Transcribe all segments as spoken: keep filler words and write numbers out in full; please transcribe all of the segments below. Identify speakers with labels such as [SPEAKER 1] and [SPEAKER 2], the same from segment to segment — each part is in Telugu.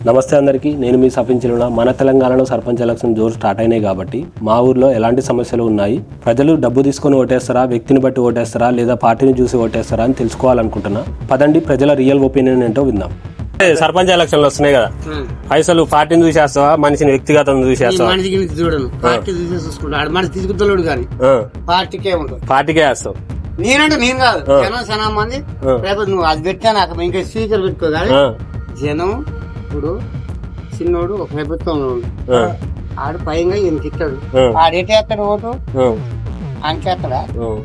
[SPEAKER 1] నమస్తే అందరికీ, నేను మీ సఫించిన మన తెలంగాణలో సర్పంచ్ ఎలక్షన్ జోరు స్టార్ట్ అయినాయి కాబట్టి మా ఊర్లో ఎలాంటి సమస్యలు ఉన్నాయి, ప్రజలు డబ్బు తీసుకొని ఓటేస్తారా, వ్యక్తిని బట్టి ఓటేస్తారా లేదా పార్టీని చూసి ఓటేస్తారా అని తెలుసుకోవాలనుకుంటున్నా. పదండి ప్రజల రియల్ ఒపీనియన్ ఏంటో విందాం. సర్పంచ్ ఎలక్షన్లు వస్తున్నాయి కదా, పైసలు పార్టీని చూసేస్తావా మనిషిని వ్యక్తిగతం చూసేస్తావా? పార్టీకే వేస్తావు.
[SPEAKER 2] నేనంటే నేను కాదు, జనం చాలా మంది రేపు నువ్వు అది పెట్టా నాకు ఇంకా స్పీకర్ పెట్టుకో కానీ జనం ఇప్పుడు చిన్నోడు ఒక ప్రభుత్వంలో ఆడు పైగా ఈయనకి ఇస్తాడు, ఆడేటేస్తాడు ఓటు అంకేస్తాడా?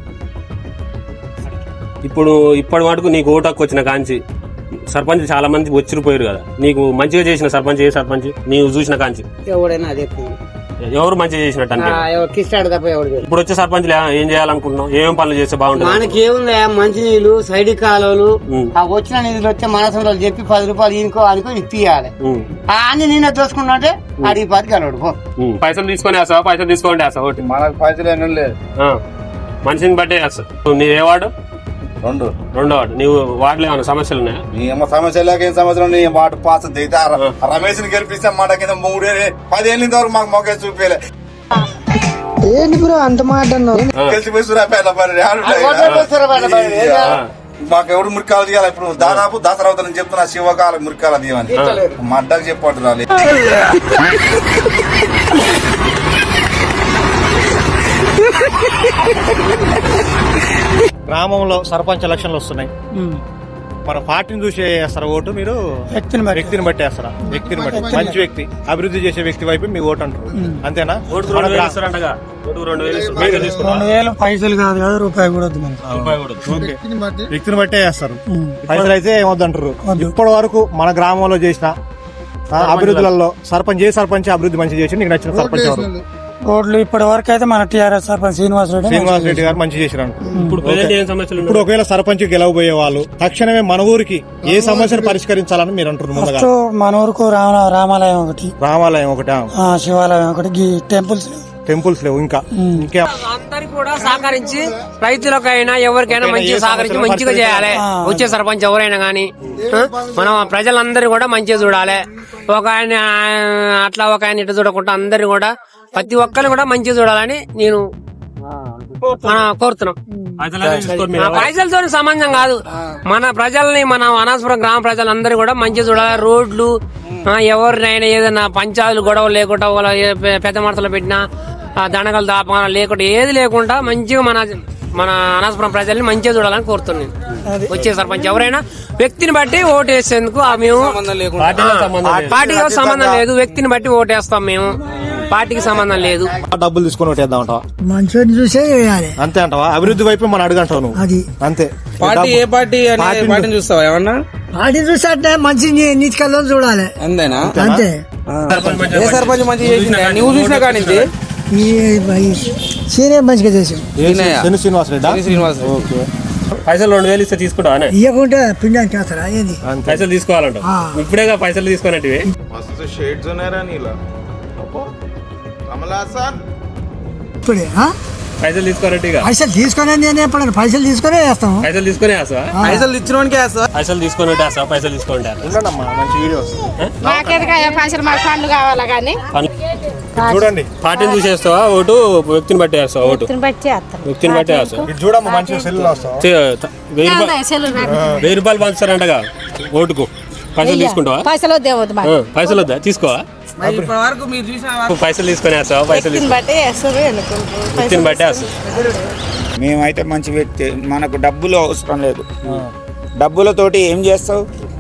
[SPEAKER 1] ఇప్పుడు ఇప్పటి మటుకు నీకు ఓటు హక్కు వచ్చిన కాంచి సర్పంచ్ చాలా మంది వచ్చిపోయారు కదా, నీకు మంచిగా చేసిన సర్పంచ్ ఏ సర్పంచ్ నీవు చూసిన కాంచి?
[SPEAKER 2] ఎవడైనా అదే
[SPEAKER 1] ఎవరు మంచిగా చేసినట్టు అంటే
[SPEAKER 2] కిస్తాడు తప్ప ఎవరు.
[SPEAKER 1] ఇప్పుడు వచ్చే సర్పంచ్ ఏం చేయాలనుకుంటున్నాం, ఏమేం పనులు చేస్తే బాగుంటుంది?
[SPEAKER 2] మనకి ఏముందా, మంచి నీళ్లు, సైడ్ కాలువలు, ఆ వచ్చిన నిధులు వచ్చే మనసులో చెప్పి పది రూపాయలు ఇంకో అనుకో ఇప్పియాలి. అన్ని నేనే దోసుకున్నట్టే అడిగి పది కలవడు.
[SPEAKER 1] పైసలు తీసుకొని వేస్తావా? పైసలు తీసుకోండి వేస్తావు ఓటు?
[SPEAKER 3] మనకు పైసలు ఏం లేదు,
[SPEAKER 1] మనిషిని బట్టే వేస్తావు. నీ ఏ వార్డు?
[SPEAKER 3] రెండు
[SPEAKER 1] రెండో వార్డు. నీవు వార్డులో ఏమైనా సమస్యలు ఉన్నాయా?
[SPEAKER 3] ఏమో సమస్య లేక ఏం సమస్యలు నీ మాట పాస్ దిగుతా రమేష్ ని గెలిపిస్తే మాట కింద మూడే పదేళ్ళ వరకు మాకు మొక్క చూపించలే.
[SPEAKER 2] ఏంటి బ్రో అంత మాట
[SPEAKER 3] గెలిచిపోయి మాకు ఎవరు మురికాలు తీయాలి? ఇప్పుడు దాదాపు దసరా అవుతుందని చెప్తున్నా, శివకాల మురికాలు తీయమని మా అడ్డకు చెప్పట్టు రాలేదు.
[SPEAKER 4] గ్రామంలో సర్పంచ్ ఎలక్షన్లు వస్తున్నాయి, మన పార్టీని చూసి వేస్తారా ఓటు? మీరు వ్యక్తిని వ్యక్తిని బట్టి వేస్తారా? వ్యక్తిని బట్టి మంచి వ్యక్తి, అభివృద్ధి చేసే వ్యక్తి వైపు మీ ఓటు అంటారు, అంతేనా?
[SPEAKER 2] పైసలు కాదు కదా, రూపాయి కూడా
[SPEAKER 4] వ్యక్తిని బట్టే వేస్తారు. పైసలు అయితే ఏమొద్దంటారు. ఇప్పటి వరకు మన గ్రామంలో చేసిన అభివృద్ధులలో సర్పంచ్ ఏ సర్పంచ్ అభివృద్ధి మంచి చేసి నీకు నచ్చిన సర్పంచ్ ఎవరు?
[SPEAKER 2] రోడ్లు ఇప్పటి వరకు అయితే మన టీఆర్ఎస్ సర్పంచ్ శ్రీనివాస్ రెడ్డి
[SPEAKER 4] శ్రీనివాస్ రెడ్డి గారు మంచి చేశారు. ఇప్పుడు ఒకవేళ సర్పంచ్ గెలవబోయే వాళ్ళు తక్షణమే మన ఊరికి ఏ సమస్యను పరిష్కరించాలని మీరు అంటున్నారు?
[SPEAKER 2] మన ఊరుకు రామాలయం ఒకటి,
[SPEAKER 4] రామాలయం ఒకటి,
[SPEAKER 2] శివాలయం ఒకటి, టెంపుల్స్
[SPEAKER 4] టెంపుల్స్ లేవు. ఇంకా ఇంకా
[SPEAKER 5] అందరికి కూడా సహకరించి రైతులకైనా ఎవరికైనా మంచిగా సహకరించి మంచిగా చేయాలి. వచ్చే సర్పంచ్ ఎవరైనా గానీ మనం ప్రజలందరూ కూడా మంచిగా చూడాలి. ఒక ఆయన అట్లా ఒక ఆయన ఇటు చూడకుండా అందరు కూడా ప్రతి ఒక్కరిని కూడా మంచిగా చూడాలని నేను కోరుతున్నాం. పైసలతో సంబంధం కాదు, మన ప్రజల్ని మన అనాసపురం గ్రామ ప్రజలందరూ కూడా మంచిగా చూడాలి. రోడ్లు ఎవరినైనా ఏదైనా పంచాయతీలు గొడవలు లేకుండా వాళ్ళ పెద్ద మడతలు పెట్టినా దండగలు దాపకాలు లేకుండా ఏది లేకుండా మంచిగా మన మన అనాసపురం ప్రజల్ని మంచిగా చూడాలని కోరుతున్నాను. వచ్చే సర్పంచ్ ఎవరైనా వ్యక్తిని బట్టి ఓటు వేసేందుకు మేము పార్టీతో సంబంధం లేదు, వ్యక్తిని బట్టి ఓటు వేస్తాం మేము, పార్టీకి సంబంధం లేదు.
[SPEAKER 4] డబ్బులు తీసుకొని ఓటేద్దాం అంటావా?
[SPEAKER 2] మంచిగా చూసే
[SPEAKER 4] అంతే అంటావా? అభివృద్ధి వైపు మనం అడుగుంటావు నువ్వు,
[SPEAKER 2] అది
[SPEAKER 4] అంతే.
[SPEAKER 6] పార్టీ ఏ పార్టీ పార్టీని చూస్తావా? ఏమన్నా
[SPEAKER 2] పార్టీ చూస్తే మంచి నీతికల్లో చూడాలి,
[SPEAKER 6] అంతేనా?
[SPEAKER 2] అంతే.
[SPEAKER 6] ఏ సర్పంచ్ మంచిగా చేసిందా నువ్వు చూసినా కానీ?
[SPEAKER 2] సీనియర్ మంచిగా చేసాం,
[SPEAKER 4] శ్రీనివాస్ రెడ్డి.
[SPEAKER 6] శ్రీనివాస్
[SPEAKER 1] పైసలు రెండు వేలు ఇస్తే తీసుకుంటా?
[SPEAKER 2] ఇవ్వకుంటే పిండానికి వేస్తారా? ఏంది
[SPEAKER 1] పైసలు తీసుకోవాలంట ఇప్పుడేగా పైసలు తీసుకున్నట్టు
[SPEAKER 2] ఇప్పుడే
[SPEAKER 1] పైసలు తీసుకోనట్టు
[SPEAKER 2] పైసలు తీసుకునే నేను ఎప్పుడైనా పైసలు తీసుకునే వేస్తాము.
[SPEAKER 1] పైసలు తీసుకునే వేస్తావా?
[SPEAKER 6] పైసలు ఇచ్చినోనికే వేస్తావా?
[SPEAKER 1] పైసలు తీసుకున్నట్టు వేస్తావా? పైసలు తీసుకుంటే
[SPEAKER 4] మంచి వీడియోస్
[SPEAKER 7] పైసలు మాకు పండ్లు కావాలా కానీ
[SPEAKER 4] చూడండి.
[SPEAKER 1] పార్టీని చూసేస్తావా ఓటు? వ్యక్తిని బట్టి వేస్తావా ఓటు?
[SPEAKER 7] బట్టి
[SPEAKER 1] వ్యక్తిని బట్టి వేస్తావా?
[SPEAKER 4] చూడమ్మా మంచిగా సెల్లు వస్తావా?
[SPEAKER 1] వెయ్యి రూపాయలు వెయ్యి రూపాయలు పంచుతారంటగా ఓటుకు. పైసలు తీసుకుంటావా?
[SPEAKER 7] పైసలు వద్దే వద్దు,
[SPEAKER 1] పైసలు వద్దా? తీసుకోవా?
[SPEAKER 6] వరకు మీరు చూసిన
[SPEAKER 1] పైసలు తీసుకొని వేస్తావా? పైసలు
[SPEAKER 7] బట్టి వేస్తారు,
[SPEAKER 1] వ్యక్తిని బట్టి వేస్తావు.
[SPEAKER 8] మేమైతే మంచి వ్యక్తి, మనకు డబ్బులు అవసరం లేదు. డబ్బులతోటి ఏం చేస్తావు?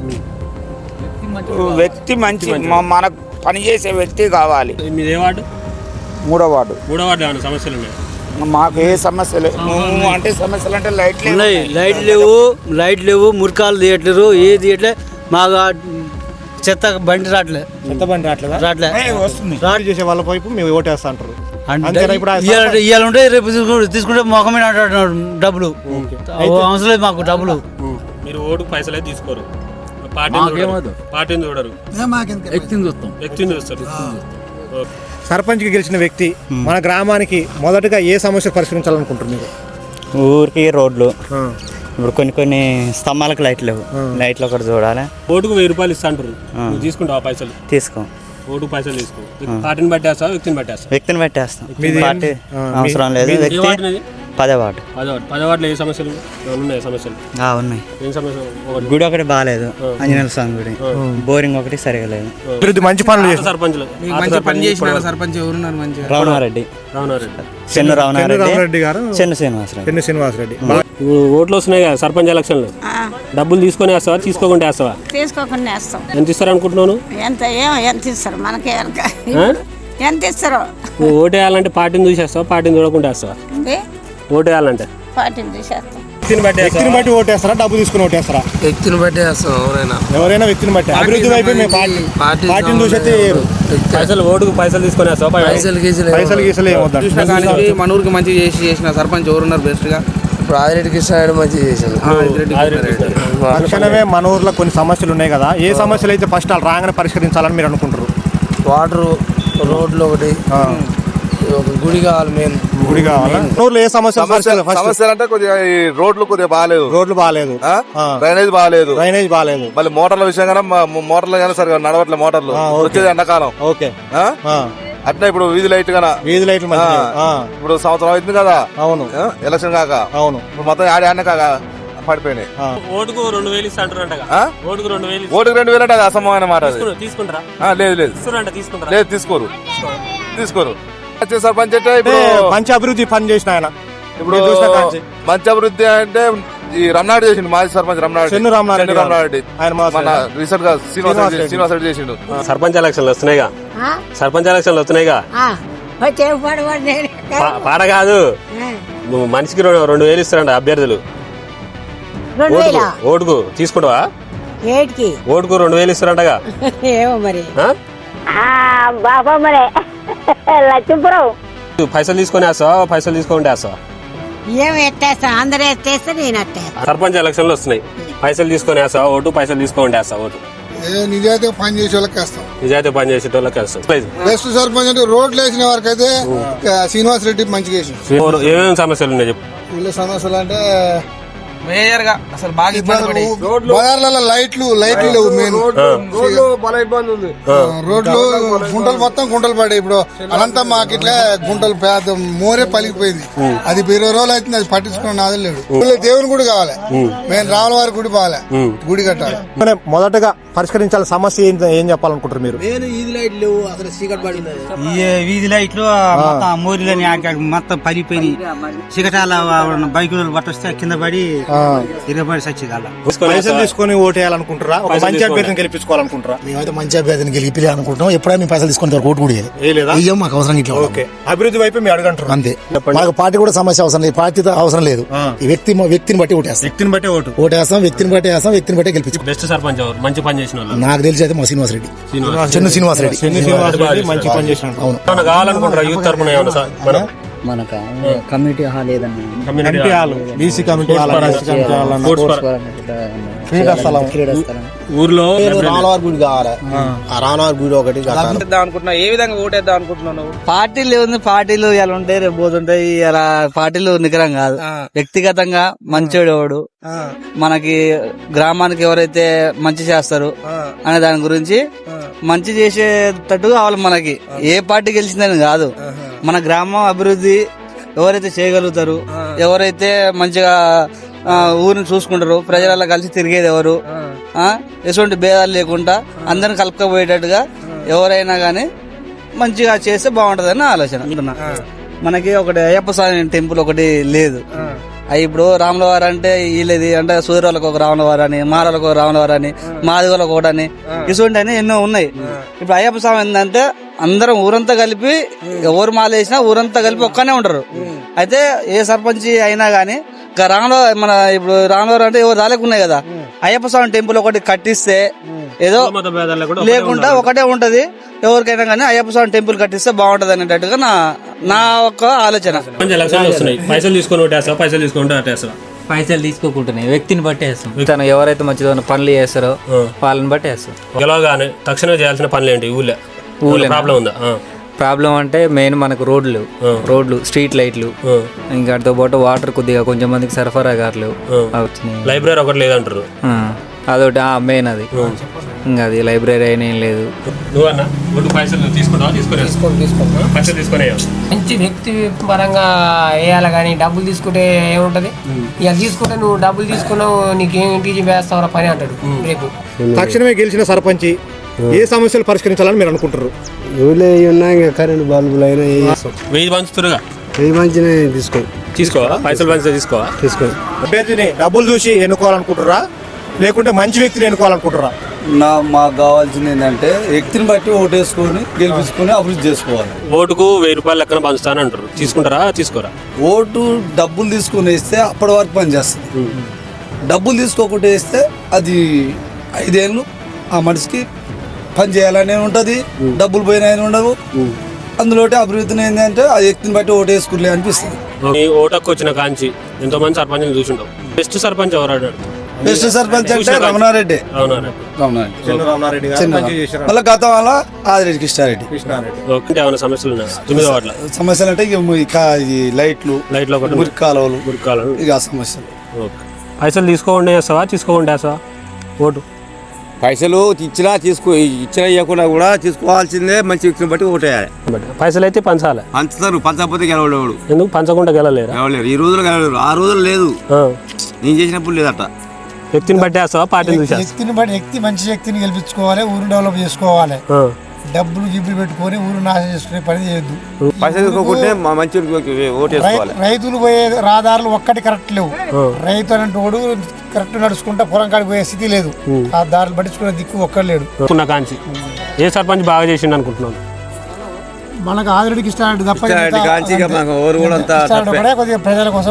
[SPEAKER 8] వ్యక్తి మంచి, మనకు పనిచేసే వ్యక్తి కావాలి.
[SPEAKER 1] మీది ఏ వార్డు?
[SPEAKER 8] మూడో వార్డు.
[SPEAKER 1] మూడో వార్డు ఏమైనా సమస్యలు ఉన్నాయి?
[SPEAKER 8] మాకు ఏ సమస్యలు అంటే సమస్యలు అంటే లైట్
[SPEAKER 9] ఉన్నాయి, లైట్ లేవు, లైట్ లేవు, మురికాలు తీయట్లేరు, ఏది తీయట్లే. మాకు చెత్త బండి రావట్లే,
[SPEAKER 4] చెత్త బండి రావట్లేదా?
[SPEAKER 9] రావట్లే.
[SPEAKER 4] వస్తుంది రాడ్ చేసే వాళ్ళ వైపు మేము ఓటేస్తా అంటారు.
[SPEAKER 9] ఇవాళ ఉంటే రేపు తీసుకుంటే మొఖమే డబ్బులు అవసరం లేదు మాకు డబ్బులు.
[SPEAKER 1] మీరు ఓటు పైసలే తీసుకోరు, పార్టీని చూడరు, వ్యక్తిని చూస్తాం, వ్యక్తిని చూస్తారు.
[SPEAKER 4] సర్పంచ్ కి గెలిచిన వ్యక్తి మన గ్రామానికి మొదటగా ఏ సమస్య పరిష్కరించాలనుకుంటున్నారు?
[SPEAKER 8] ఊరికి రోడ్లు,
[SPEAKER 10] ఇప్పుడు కొన్ని కొన్ని స్తంభాలకు లైట్లు లేవు, లైట్లు ఒకటి చూడాలి.
[SPEAKER 1] ఓటుకు వెయ్యి రూపాయలు ఇస్తా అంటారు, నువ్వు తీసుకుంటావా పైసలు?
[SPEAKER 10] తీసుకో.
[SPEAKER 1] ఓటుకు పైసలు తీసుకో. పార్టీని బట్టేస్తావా వ్యక్తిని బట్టేస్తా?
[SPEAKER 10] వ్యక్తిని పెట్టేస్తాం, పార్టీ అవసరం లేదు. వ్యక్తి పదే వాటు.
[SPEAKER 1] పదవాడు పదవాడులో ఏ సమస్యలు ఉన్నాయి? సమస్యలు
[SPEAKER 10] ఉన్నాయి.
[SPEAKER 1] ఏం సమస్యలు?
[SPEAKER 10] గుడి ఒకటి బాగాలేదు, ఆంజనేయ స్వామి గుడి. బోరింగ్ ఒకటి సరిగా లేదు.
[SPEAKER 4] అభివృద్ధి మంచి పనులు చేస్తారు
[SPEAKER 1] సర్పంచ్లు
[SPEAKER 6] మంచి పని చేసిన సర్పంచ్ ఎవరున్నారు మంచిగా?
[SPEAKER 10] రమణారెడ్డి,
[SPEAKER 1] రామనారెడ్డి,
[SPEAKER 10] చెన్ను రమణారెడ్డి
[SPEAKER 4] గారు,
[SPEAKER 10] చెన్ను శ్రీనివాసరెడ్డి.
[SPEAKER 4] చెన్ను శ్రీనివాసరెడ్డి.
[SPEAKER 1] ఇప్పుడు ఓట్లు వస్తున్నాయి కదా సర్పంచ్ ఎలక్షన్లు, డబ్బులు తీసుకొని వేస్తావా తీసుకోకుండా వేస్తావా?
[SPEAKER 7] తీసుకోకుండా వేస్తాం.
[SPEAKER 1] ఎంత ఇస్తారు అనుకుంటున్నాను?
[SPEAKER 7] ఎంత ఏమో ఎంత ఇస్తారు మనకే ఎంత ఇస్తారు?
[SPEAKER 1] నువ్వు ఓటు వేయాలంటే పార్టీని చూసేస్తావా, పార్టీని చూడకుండా వేస్తావా? ఓటు వేయాలంటే
[SPEAKER 7] పార్టీని చూసేస్తాం.
[SPEAKER 1] వ్యక్తిని బట్టి
[SPEAKER 4] వ్యక్తిని బట్టి ఓటేస్తారా, డబ్బు తీసుకుని ఓటేస్తారా?
[SPEAKER 6] వ్యక్తిని బట్టి వేస్తాం. ఎవరైనా
[SPEAKER 4] ఎవరైనా వ్యక్తిని బట్టి. అభివృద్ధి వైపు మేము పార్టీ పార్టీని చూసేస్తే
[SPEAKER 1] పైసలు ఓటుకు పైసలు తీసుకొని వేస్తావా?
[SPEAKER 6] పైసలు గీసలు
[SPEAKER 4] పైసలు గీసలు ఏమవుతారు?
[SPEAKER 6] చూసినా కానీ మన ఊరికి మంచిగా చేసి చేసిన సర్పంచ్ ఎవరున్నారు బెస్ట్ గా? ఇప్పుడు ఆదిరెడ్డి కృష్ణ మంచిగా చేశారు.
[SPEAKER 4] తక్షణమే మన ఊర్లో కొన్ని సమస్యలు ఉన్నాయి కదా, ఏ సమస్యలు అయితే ఫస్ట్ వాళ్ళు రాగానే పరిష్కరించాలని మీరు అనుకుంటారు?
[SPEAKER 6] వాటర్, రోడ్లు ఒకటి, గుడి కావాలి, మెయిన్
[SPEAKER 4] గుడి కావాలా? ఊర్లో ఏ సమస్య?
[SPEAKER 3] సమస్యలు అంటే కొద్దిగా ఈ రోడ్లు కొద్దిగా బాగాలేదు,
[SPEAKER 4] రోడ్లు బాగాలేదు,
[SPEAKER 3] డ్రైనేజ్ బాగాలేదు,
[SPEAKER 4] డ్రైనేజ్ బాగాలేదు.
[SPEAKER 3] మళ్ళీ మోటార్ల విషయం కానీ మోటార్లు కానీ సరిగా నడవట్లే మోటార్లు, వచ్చేది ఎండాకాలం.
[SPEAKER 4] ఓకే.
[SPEAKER 3] అట్లా ఇప్పుడు వీధి లైట్ గానా,
[SPEAKER 4] వీధి లైట్లు
[SPEAKER 3] ఇప్పుడు సంవత్సరం అవుతుంది కదా.
[SPEAKER 4] అవును,
[SPEAKER 3] ఎలక్షన్ కాక. అవును, ఇప్పుడు మొత్తం ఆడి ఆడిన కాక పడిపోయినాయి.
[SPEAKER 1] ఓటుకు రెండు వేలు ఇస్తాంటారు. ఓటుకు రెండు వేలు
[SPEAKER 3] ఓటుకు రెండు వేలు అంటే అది అసమమైన మాట.
[SPEAKER 1] తీసుకుంటారా?
[SPEAKER 3] లేదు లేదు
[SPEAKER 1] తీసుకుంటారా?
[SPEAKER 3] లేదు, తీసుకోరు తీసుకోరు. వచ్చే సర్పంచ్ అంటే ఇప్పుడు
[SPEAKER 4] మంచి అభివృద్ధి పని చేసిన ఆయన.
[SPEAKER 3] ఇప్పుడు మంచి అభివృద్ధి అంటే ఈ రమణారెడ్డి చేసిండు, మాజీ సర్పంచ్ రమణారెడ్డి.
[SPEAKER 4] చెన్ను రమణారెడ్డి
[SPEAKER 3] రమణారెడ్డి ఆయన మన రీసెంట్ గా శ్రీనివాసరెడ్డి శ్రీనివాసరెడ్డి చేసిండు.
[SPEAKER 1] సర్పంచ్ ఎలక్షన్లు వస్తున్నాయిగా, సర్పంచ్ ఎలక్షన్లు వస్తున్నాయిగా. పాట కాదు, మనిషికి రెండు వేలు ఇస్తారంట అభ్యర్థులు. ఓటుకు తీసుకుంటావా? ఓటుకు రెండు వేలు ఇస్తారంటగా.
[SPEAKER 7] ఏమో మరి
[SPEAKER 1] పైసలు తీసుకొని వేస్తావా, పైసలు తీసుకొని వేస్తావా?
[SPEAKER 7] ఏం ఎట్టేస్తా, అందరూ ఎత్తేస్తే నేను ఎట్టేస్తా.
[SPEAKER 1] సర్పంచ్ ఎలక్షన్లు వస్తున్నాయి, పైసలు తీసుకొని వేస్తావా ఓటు, పైసలు తీసుకొని వేస్తావా ఓటు?
[SPEAKER 11] నిజాయితీ పని చేసే వాళ్ళకి వేస్తాం.
[SPEAKER 1] నిజాయితీ పని చేసే వాళ్ళకి వేస్తాం.
[SPEAKER 11] బెస్ట్ సర్పంచ్ అంటే రోడ్లు వేసిన వారికి అయితే శ్రీనివాస్ రెడ్డి మంచిగా వేసి.
[SPEAKER 1] ఏమేమి సమస్యలు ఉన్నాయి చెప్పు.
[SPEAKER 11] ఊళ్ళో సమస్యలు అంటే
[SPEAKER 6] మేజర్ గా అసలు బాగా ఇబ్బంది పడి
[SPEAKER 11] బజార్లలో లైట్లు లైట్లు లేవు. మెయిన్ రోడ్లు గుంటలు మొత్తం గుంటలు పడే. ఇప్పుడు అనంతా మాకు ఇట్లా గుంటలు పేద మోరే పలిగిపోయింది. అది ఇరవై రోజులు అవుతుంది, అది పట్టించుకున్న నాదే లేడు. దేవుని గుడి కావాలి, మేము రావుల వారి గుడి బాగాలే, గుడి కట్టాలి.
[SPEAKER 4] మొదటగా పరిష్కరించాలి సమస్య ఏం చెప్పాలనుకుంటారు మీరు?
[SPEAKER 6] వీధి లైట్లు లేవు, అసలు చీకటి పడి
[SPEAKER 9] వీధి లైట్లు మోరీలని మొత్తం పడిపోయి చికటాల బైకులు పట్టొస్తే కింద పడి ఇరవై సచ్చిదాల.
[SPEAKER 4] పైసలు తీసుకొని ఓటు వేయాలనుకుంటారా, ఒక మంచి అభ్యర్థిని గెలిపించుకోవాలనుకుంటారా?
[SPEAKER 11] మేమైతే మంచి అభ్యర్థిని గెలిపి అనుకుంటున్నాం. ఎప్పుడైనా మేము పైసలు తీసుకొని ఓటు కూడా వేయలేదు. మాకు అవసరం ఇట్లా.
[SPEAKER 4] ఓకే, అభివృద్ధి వైపు మీరు అడగంటారు
[SPEAKER 11] అంతే. మాకు పార్టీ కూడా సమస్య అవసరం లేదు, పార్టీతో అవసరం లేదు. ఈ వ్యక్తి వ్యక్తిని బట్టి ఓటు వేస్తాం,
[SPEAKER 4] వ్యక్తిని బట్టి ఓటు
[SPEAKER 11] ఓటు వేస్తాం, వ్యక్తిని బట్టి వేస్తాం, వ్యక్తిని బట్టి గెలిపించు.
[SPEAKER 1] బెస్ట్ సర్పంచ్ ఎవరు మంచి పని చేసిన వాళ్ళు?
[SPEAKER 11] నాకు తెలిసి అయితే మా శ్రీనివాస్ రెడ్డి, చెన్ను శ్రీనివాస్ రెడ్డి.
[SPEAKER 4] మంచి పని చేసిన.
[SPEAKER 11] అవును,
[SPEAKER 1] కావాలనుకుంటారా యూత్ తరఫున ఏమన్నా?
[SPEAKER 10] మనకు కమ్యూనిటీ హాల్ ఏదన్నా,
[SPEAKER 4] community hall, BC community hall, క్రీడా స్థలం
[SPEAKER 1] ఊర్లో
[SPEAKER 11] రానవారి గుడి కావాలి. ఆ రానవారి గుడి ఒకటి
[SPEAKER 6] అనుకుంటున్నా. ఏ విధంగా ఓటేద్దాం అనుకుంటున్నాను?
[SPEAKER 9] పార్టీలు ఉంది, పార్టీలు ఇలా ఉంటాయి, రేపు పోతుంటాయి. అలా పార్టీలు నికరం కాదు, వ్యక్తిగతంగా మంచోడు ఎవడు, మనకి గ్రామానికి ఎవరైతే మంచి చేస్తారు అనే దాని గురించి మంచి చేసేటట్టు కావాలి. మనకి ఏ పార్టీ గెలిచిందని కాదు, మన గ్రామం అభివృద్ధి ఎవరైతే చేయగలుగుతారు, ఎవరైతే మంచిగా ఊరిని చూసుకుంటారు, ప్రజలలో కలిసి తిరిగేది ఎవరు, ఎటువంటి భేదాలు లేకుండా అందరిని కలుపుకపోయేటట్టుగా ఎవరైనా గానీ మంచిగా చేస్తే బాగుంటదని ఆలోచన. మనకి ఒకటి అయ్యప్ప స్వామి టెంపుల్ ఒకటి లేదు. అవి ఇప్పుడు రాములవారు అంటే వీళ్ళది అంటే సూర్యులకు ఒక రాములవారు అని, మారలకు ఒక రాములవారు అని, మాదిగలకు ఒకటని, ఇటువంటి అని ఎన్నో ఉన్నాయి. ఇప్పుడు అయ్యప్ప స్వామి ఏంటంటే అందరం ఊరంతా కలిపి ఎవరు మాల వేసినా ఊరంతా కలిపి ఒక్కనే ఉంటారు. అయితే ఏ సర్పంచ్ అయినా గానీ రాముల మన ఇప్పుడు రాములవారు అంటే ఎవరు రాలేకున్నాయి కదా, అయ్యప్ప స్వామి టెంపుల్ ఒకటి కట్టిస్తే ఏదో లేకుండా ఒకటే ఉంటది. ఎవరికైనా కానీ అయ్యప్ప స్వామి టెంపుల్ కట్టిస్తే బాగుంటది అనేటట్టుగా నా నా ఒక్క ఆలోచన.
[SPEAKER 1] పైసలు తీసుకొని ఓటేస్తావా, పైసలు తీసుకుంటే ఓటేస్తావా?
[SPEAKER 10] పైసలు తీసుకోకుంటున్నాయి, వ్యక్తిని బట్టి వేస్తాం. తను ఎవరైతే మంచిగా పనులు చేస్తారో వాళ్ళని బట్టి వేస్తాం.
[SPEAKER 1] గెలవగానే తక్షణం చేయాల్సిన పనులు ఏంటి ఊళ్ళో? ఊళ్ళో ప్రాబ్లం ఉందా?
[SPEAKER 10] ప్రాబ్లం అంటే మెయిన్ మనకు రోడ్లు రోడ్లు స్ట్రీట్ లైట్లు ఇంకా వాటితో పాటు వాటర్ కొద్దిగా కొంచెం మందికి సరఫరా కావట్లేవు
[SPEAKER 1] లైబ్రరీ ఒకటి లేదంటారు.
[SPEAKER 10] అదొకటి మెయిన్ అది. ఇంకా అది లైబ్రరీ అయినా ఏం లేదు.
[SPEAKER 1] నువ్వన్నా ఓటు పైసలు తీసుకుంటావా? తీసుకునే పైసలు తీసుకునే
[SPEAKER 5] మంచి వ్యక్తి పరంగా వేయాలి కానీ డబ్బులు తీసుకుంటే ఏముంటది? ఇక తీసుకుంటే నువ్వు డబ్బులు తీసుకున్నావు నీకేం ఇంటికి వేస్తావు పని అంటాడు రేపు.
[SPEAKER 4] తక్షణమే గెలిచిన సర్పంచ్ ఏ సమస్యలు పరిష్కరించాలని మీరు అనుకుంటారు?
[SPEAKER 9] ఊళ్ళో ఉన్నా ఇంకా కరెంట్ బల్బులు అయినా
[SPEAKER 1] వెయ్యి పంచుతురుగా
[SPEAKER 9] వెయ్యి మంచిగా తీసుకో
[SPEAKER 1] తీసుకోవాలా? పైసలు పంచితే తీసుకోవా?
[SPEAKER 9] తీసుకో.
[SPEAKER 4] అభ్యర్థిని డబ్బులు చూసి ఎన్నుకోవాలనుకుంటారా లేకుంటే మంచి వ్యక్తిని ఎన్నుకోవాలనుకుంటారా?
[SPEAKER 9] నా మాకు కావాల్సింది ఏంటంటే వ్యక్తిని బట్టి ఓటేసుకొని గెలిపించుకొని అభివృద్ధి చేసుకోవాలి.
[SPEAKER 1] ఓటుకు వెయ్యి రూపాయలు లెక్కన పంచుతాను అంటారు. తీసుకుంటారా తీసుకోరా?
[SPEAKER 9] ఓటు డబ్బులు తీసుకుని వేస్తే అప్పటి వరకు పని చేస్తుంది. డబ్బులు తీసుకోకుండా వేస్తే అది ఐదేళ్ళు ఆ మనిషికి పని చేయాలనే ఉంటుంది, డబ్బులు పోయినా ఉండవు. అందులో అభివృద్ధిని ఏంటంటే ఆ వ్యక్తిని బట్టి ఓటు వేసుకునే అనిపిస్తుంది.
[SPEAKER 1] ఓటకు వచ్చిన కాంచి ఎంతో మంది సర్పంచ్ చూసుంటావు. బెస్ట్ సర్పంచ్ ఎవరు అన్నాడు?
[SPEAKER 9] బెస్ట్ సర్పంచ్ అంటే రమణారెడ్డి.
[SPEAKER 4] రమణారెడ్డి
[SPEAKER 9] మళ్ళీ గతం వల్ల ఆదిరెడ్డి కృష్ణారెడ్డి.
[SPEAKER 1] ఏమైనా సమస్యలు ఉన్నాయా తొమ్మిదో వాటిలో?
[SPEAKER 9] సమస్యలు అంటే ఇక ఈ లైట్లు
[SPEAKER 1] లైట్లో ఒకటి
[SPEAKER 9] మురికి కాలువలు
[SPEAKER 1] మురికి కాలువలు
[SPEAKER 9] ఇక ఆ సమస్యలు.
[SPEAKER 1] పైసలు తీసుకోకుండా వేస్తావా తీసుకోకుండా వేస్తావా ఓటు?
[SPEAKER 6] పైసలు ఇచ్చినా తీసుకో ఇచ్చినా ఇవ్వకుండా కూడా తీసుకోవాల్సిందే. మంచి వ్యక్తిని బట్టి ఓటేయాలి.
[SPEAKER 1] పైసలు అయితే పంచాలి.
[SPEAKER 6] పంచుతారు, పంచకపోతే గెలవలేడు.
[SPEAKER 1] ఎందుకు పంచకుండా గెలలేరు?
[SPEAKER 6] గెలవలేరు ఈ రోజులు గెలవలేరు. ఆ రోజులు లేదు, నేను చేసినప్పుడు లేదట.
[SPEAKER 1] వ్యక్తిని బట్టి వేస్తావా పార్టీని చూసి?
[SPEAKER 11] వ్యక్తిని బట్టి వ్యక్తి మంచి వ్యక్తిని గెలిపించుకోవాలి, ఊరు డెవలప్ చేసుకోవాలి. డబ్బులు గిబ్బులు పెట్టుకొని ఊరు నాశనం చేసుకునే పని చేయొద్దు.
[SPEAKER 6] పైసలు తీసుకోకుంటే మంచి ఓటేసుకోవాలి.
[SPEAKER 11] రైతులు పోయే రహదారులు ఒక్కటి కరెక్ట్ లేవు. రైతు అనేటోడు కరెక్ట్ నడుచుకుంటా పొలం కాడికి పోయే స్థితి లేదు. ఆ దారులు పట్టించుకునే దిక్కు ఒక్కడు లేడు.
[SPEAKER 1] కాంచి ఏ సర్పంచ్ బాగా చేసిండు అనుకుంటున్నాను?
[SPEAKER 11] మనకు ఆదిరెడ్డికి ఇష్టారెడ్డి తప్ప కొద్దిగా ప్రజల కోసం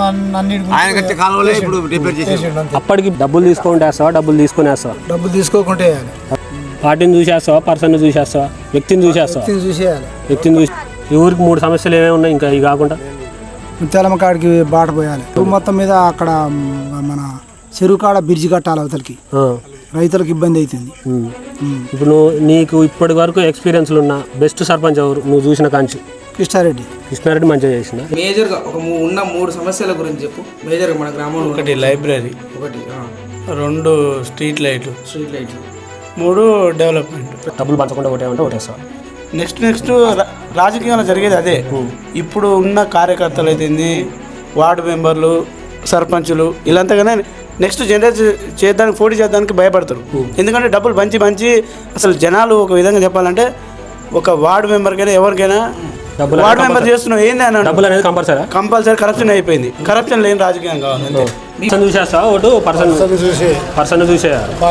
[SPEAKER 1] అప్పటికి డబ్బులు తీసుకొని వేస్తావా డబ్బులు తీసుకొని వేస్తావా?
[SPEAKER 11] డబ్బులు తీసుకోకుంటే
[SPEAKER 1] పార్టీని చూసేస్తావా పర్సన్ చూసేస్తావా వ్యక్తిని చూసేస్తావా?
[SPEAKER 11] చూసేయాలి.
[SPEAKER 1] వ్యక్తిని చూసి ఈ ఊరికి మూడు సమస్యలు ఏమేమి ఉన్నాయి ఇంకా ఇవి కాకుండా?
[SPEAKER 11] ముత్యాలమ్మ కాడికి బాట పోయాలి. మొత్తం మీద అక్కడ మన చెరువు కాడ బ్రిడ్జి కట్టాలి, అవతలకి రైతులకు ఇబ్బంది అవుతుంది.
[SPEAKER 1] ఇప్పుడు నువ్వు నీకు ఇప్పటి వరకు ఎక్స్పీరియన్స్లు ఉన్న బెస్ట్ సర్పంచ్ ఎవరు నువ్వు చూసిన కాంచి?
[SPEAKER 11] కృష్ణారెడ్డి.
[SPEAKER 1] కృష్ణారెడ్డి మంచిగా చేసిన.
[SPEAKER 6] మేజర్గా ఒక ఉన్న మూడు సమస్యల గురించి చెప్పు. మేజర్గా మన గ్రామంలో
[SPEAKER 9] ఒకటి లైబ్రరీ,
[SPEAKER 6] ఒకటి
[SPEAKER 9] రెండు స్ట్రీట్ లైట్లు,
[SPEAKER 6] స్ట్రీట్ లైట్లు,
[SPEAKER 9] మూడు డెవలప్మెంట్.
[SPEAKER 1] డబ్బులు పంచకుండా ఒకటేమంటే ఒకటేస్తావా?
[SPEAKER 9] నెక్స్ట్ నెక్స్ట్ రాజకీయంలో జరిగేది అదే. ఇప్పుడు ఉన్న కార్యకర్తలు అయితే వార్డు మెంబర్లు, సర్పంచులు వీళ్ళంతగానే నెక్స్ట్ జనరేట్ చేయడానికి పోటీ చేయడానికి భయపడతారు. ఎందుకంటే డబ్బులు పంచి పంచి అసలు జనాలు ఒక విధంగా చెప్పాలంటే ఒక వార్డు మెంబర్కైనా ఎవరికైనా వార్డు మెంబర్ చేస్తున్నావు ఏంది అని
[SPEAKER 1] డబ్బులు అనేది కంపల్సరీ
[SPEAKER 9] కంపల్సరీ కరప్షన్ అయిపోయింది. కరప్షన్ లేని రాజకీయం కావాలి.
[SPEAKER 1] చూసేస్తావా ఓటు? పర్సన్ చూసే పర్సన్ చూసే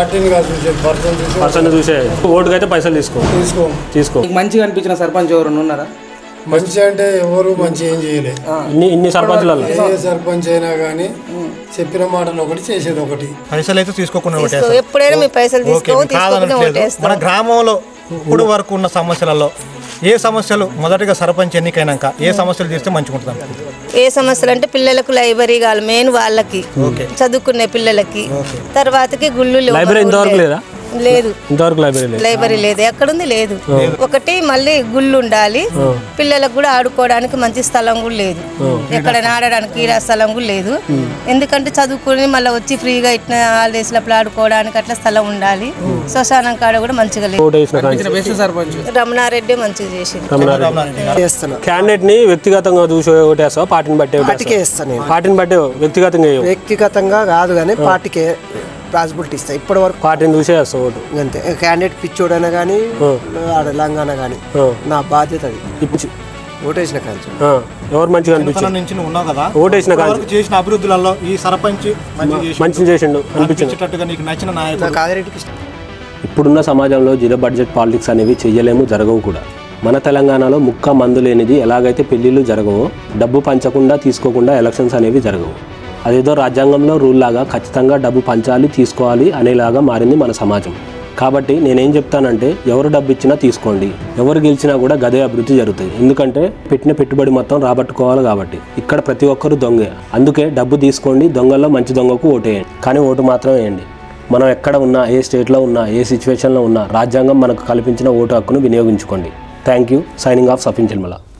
[SPEAKER 1] పర్సన్ చూసే ఓటుకు అయితే పైసలు తీసుకో తీసుకో తీసుకో.
[SPEAKER 6] మంచిగా అనిపించిన సర్పంచ్ ఎవరు ఉన్నారా?
[SPEAKER 11] మంచి అంటే ఎవరు మంచి ఏం చేయలేదు.
[SPEAKER 1] ఇన్ని ఇన్ని సర్పంచులలో
[SPEAKER 11] ఏ సర్పంచ్ అయినా కానీ చెప్పిన మాటలు ఒకటి చేసేది ఒకటి.
[SPEAKER 4] పైసలు అయితే తీసుకోకుండా
[SPEAKER 7] ఎప్పుడైనా మీ పైసలు తీసుకో.
[SPEAKER 4] మన గ్రామంలో ఇప్పుడు వరకు ఉన్న సమస్యలలో ఏ సమస్యలు మొదటిగా సర్పంచ్ ఎన్నికైనాక ఏ సమస్యలు చేస్తే మంచిగా ఉంటుంది?
[SPEAKER 7] ఏ సమస్యలు అంటే పిల్లలకు లైబ్రరీ కావాలి, మెయిన్ వాళ్ళకి చదువుకునే పిల్లలకి. తర్వాతకి గుళ్ళు
[SPEAKER 1] లైబ్రరీ ఇంతవరకు లేదా?
[SPEAKER 7] లేదు,
[SPEAKER 1] ఇంతవరకు లైబ్రరీ
[SPEAKER 7] లైబ్రరీ లేదు. ఎక్కడుంది? లేదు. ఒకటి మళ్ళీ గుళ్ళు ఉండాలి, పిల్లలకు కూడా ఆడుకోవడానికి మంచి స్థలం కూడా లేదు. ఎక్కడ ఆడడానికి క్రీడా స్థలం కూడా లేదు. ఎందుకంటే చదువుకుని మళ్ళీ వచ్చి ఫ్రీగా ఇట్లా హాలిడేస్ లప్పుడు ఆడుకోవడానికి అట్లా స్థలం ఉండాలి. శ్మశానం కాడ కూడా మంచిగా లేదు. రమణారెడ్డి మంచిగా చేసింది.
[SPEAKER 1] క్యాండిడేట్ ని వ్యక్తిగతంగా చూసి ఓటేస్తావా పార్టీని బట్టి? పార్టీని బట్టి వ్యక్తిగతంగా
[SPEAKER 9] వ్యక్తిగతంగా కాదు కానీ పార్టీకే రాజబుల్టీ ఇస్తాయి. ఇప్పటి వరకు
[SPEAKER 1] పార్టీని చూసే వేస్తావు ఓటు.
[SPEAKER 9] అంతే. క్యాండిడేట్ పిచ్చోడైనా కానీ తెలంగాణ కానీ నా బాధ్యత అది.
[SPEAKER 1] ఇప్పుడు
[SPEAKER 9] ఓటేసిన కాంచి
[SPEAKER 1] ఎవరు మంచిగా అనిపించింది
[SPEAKER 4] నుంచి నువ్వు ఉన్నావు కదా,
[SPEAKER 1] ఓటేసిన కాంచి
[SPEAKER 4] చేసిన అభివృద్ధులలో ఈ సర్పంచ్
[SPEAKER 1] మంచిగా చేసిండు అనిపించినట్టుగా
[SPEAKER 4] నీకు నచ్చిన నాయకుడు?
[SPEAKER 9] ఆదిరెడ్డికి ఇష్టం.
[SPEAKER 1] ఇప్పుడున్న సమాజంలో జీరో బడ్జెట్ పాలిటిక్స్ అనేవి చేయలేము, జరగవు కూడా. మన తెలంగాణలో ముక్క మందు లేనిది ఎలాగైతే పెళ్లిళ్ళు జరగవో, డబ్బు పంచకుండా తీసుకోకుండా ఎలక్షన్స్ అనేవి జరగవు. అదేదో రాజ్యాంగంలో రూల్ లాగా ఖచ్చితంగా డబ్బు పంచాలి తీసుకోవాలి అనేలాగా మారింది మన సమాజం. కాబట్టి నేనేం చెప్తానంటే ఎవరు డబ్బు ఇచ్చినా తీసుకోండి, ఎవరు గెలిచినా కూడా గదే అభివృద్ధి జరుగుతుంది. ఎందుకంటే పెట్టిన పెట్టుబడి మొత్తం రాబట్టుకోవాలి కాబట్టి. ఇక్కడ ప్రతి ఒక్కరు దొంగే, అందుకే డబ్బు తీసుకోండి, దొంగల్లో మంచి దొంగకు ఓటేయండి, కానీ ఓటు మాత్రం వేయండి. మనం ఎక్కడ ఉన్నా, ఏ స్టేట్లో ఉన్నా, ఏ సిచ్యువేషన్లో ఉన్నా రాజ్యాంగం మనకు కల్పించిన ఓటు హక్కును వినియోగించుకోండి. Thank you. Signing off Safin చిల్మల.